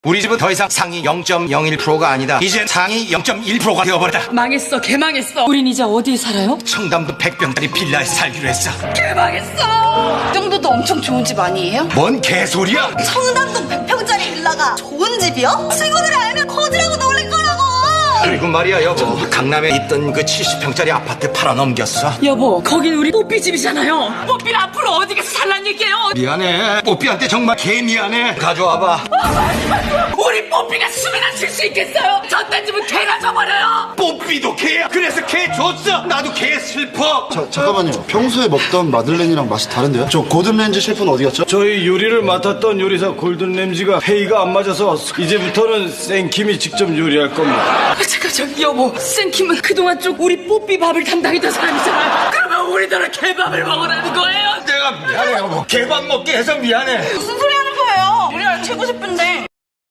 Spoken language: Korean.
우리 집은 더 이상 상위 0.01%가 아니다. 이젠 상위 0.1%가 되어버렸다. 망했어, 개망했어. 우린 이제 어디 살아요? 청담도 100평짜리 빌라에서 살기로 했어. 개망했어. 이 정도도 엄청 좋은 집 아니에요? 뭔 개소리야? 청담동 100평짜리 빌라가 좋은 집이요? 친구들이 알면 거지라고 놀릴 거라고! 그리고 말이야 여보, 강남에 있던 그 70평짜리 아파트 팔아넘겼어. 여보, 거긴 우리 뽀삐 집이잖아요. 뽀삐는 앞으로 어디 가서 살란 얘기예요? 미안해. 뽀삐한테 정말 개 미안해. 가져와봐. 우리 뽀삐가 숨이나 쉴 수 있겠어요? 저딴 집은 개가 져버려요. 뽀삐도 개야. 그래서 개 줬어. 나도 개 슬퍼. 잠깐만요. 평소에 먹던 마들렌이랑 맛이 다른데요? 저 고든렌즈 셰프는 어디 갔죠? 저희 요리를 맡았던 요리사 골든 램지가 회의가 안 맞아서 이제부터는 생킴이 직접 요리할 겁니다. 잠깐, 저기 여보, 생킴은 그동안 쭉 우리 뽀삐 밥을 담당했던 사람이잖아요. 그러면 우리들은 개밥을 먹으라는 거예요? 내가 미안해 여보. 개밥 먹게 해서 미안해. 무슨 소리 하는 거예요? 우리나라 최고 셰프인데.